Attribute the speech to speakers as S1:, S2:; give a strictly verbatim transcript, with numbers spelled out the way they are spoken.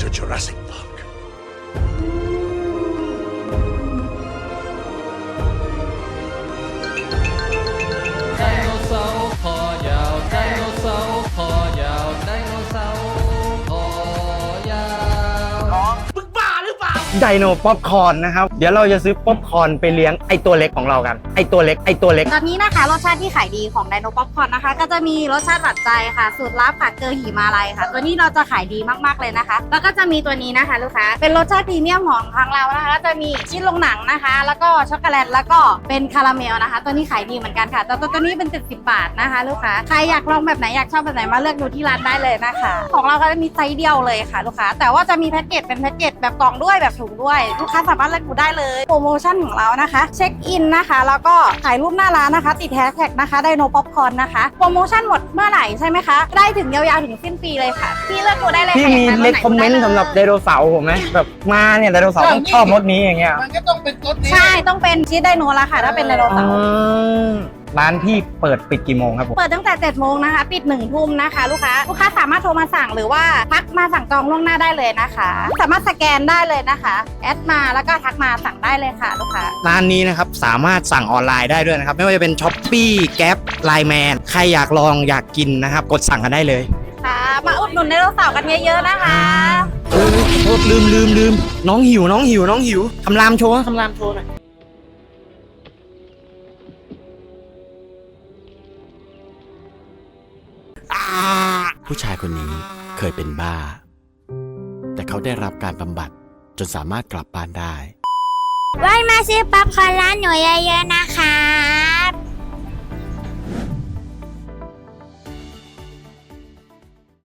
S1: to Jurassic Park.
S2: ไดโนเสาร์คอยาวไดโนเสาร์คอยาวไดโนเสาร์คอยาว
S3: ไดโนป๊อปคอร์นนะครับเดี๋ยวเราจะซื้อป๊อปคอร์นไปเลี้ยงไอตัวเล็กของเรากันไอตัวเล็กไอตัวเล็ก
S4: ตอนนี้นะคะรสชาติที่ขายดีของไดโนป๊อปคอร์นนะคะก็จะมีรสชาติหวานใจค่ะสูตรลับค่ะเกลือหิมาลัยค่ะ ตัวนี้เราจะขายดีมากๆเลยนะคะ แล้วก็จะมีตัวนี้นะคะลูกค้าเป็นรสชาติพรีเมียมของทางเรานะคะก็จะมีชิ้นลงหนังนะคะ แล้วก็ช็อกโกแลตแล้วก็เป็นคาราเมลนะคะ ตัวนี้ขายดีเหมือนกันค่ะแต่ตัวตัวนี้เป็นเจ็ดสิบบาทนะคะลูกค้าใครอยากลองแบบไหนอยากชอบแบบไหนมาเลือกดูที่ร้านได้เลยนะคะของเราก็จะมีไซส์เดียวเลยค่ะลูกค้าแต่ว่าจะมีแพ็กเกจเป็นแพ็กเกจแบบกล่องด้วยแบบถุงด้วยลูกค้าสามารถเลือกดูได้เลยโปรโมชั่นของเรานะคะเช็คอินนะคะแล้วก็ถ่ายรูปหน้าร้านนะคะติดแฮชแท็กนะคะไดโนป๊อปคอร์นนะคะโปรโมชั่นหมดเมื่อไหร่ใช่ไหมคะได้ถึงยาวๆถึงสิ้นปีเลยค่ะพี่เลือกดูได้เลย
S3: พี่มีเลคคอมเมนต์สำหรับไดโนเสาร์ผมไหมแบบมาเนี่ยไดโนเสาร์ต้องชอบรถนี้อย่างเงี้ย
S5: มันก็ต้องเป็นรถนี้
S4: ใช่ต้องเป็นชีสไดโนละค่ะถ้าเป็นไดโน
S3: อ๋
S4: เสาร์
S3: อร้านพี่เปิดปิดกี่โมงครับผม
S4: เปิดตั้งแต่เจ็ดโมงนะคะปิดหนึ่งทุ่มนะคะลูกค้าลูกค้าสามารถโทรมาสั่งหรือว่าทักมาสั่งจองล่วงหน้าได้เลยนะคะ สามารถสแกนได้เลยนะคะแอดมาแล้วก็ทักมาสั่งได้เลยค่ะลูกค้า
S3: ร้านนี้นะครับสามารถสั่งออนไลน์ได้ด้วยนะครับไม่ว่าจะเป็น Shopee Grab ไลน์แมนใครอยากลองอยากกินนะครับกดสั่งกันได้เลย
S4: ค่ะมาอุดหนุนไดโนเสาร์กันเยอะๆนะคะ
S3: เออโทษลืมลืมลืมน้องหิวน้องหิวน้องหิวคำรามโชว์คำรามโชว์หน่อย
S6: ผู้ชายคนนี้เคยเป็นบ้า แต่เขาได้รับการบำบัดจนสามารถกลับบ้านได้
S7: ไว้มาซื้อป๊อปคอร์นร้านหนูเยอะๆนะคะ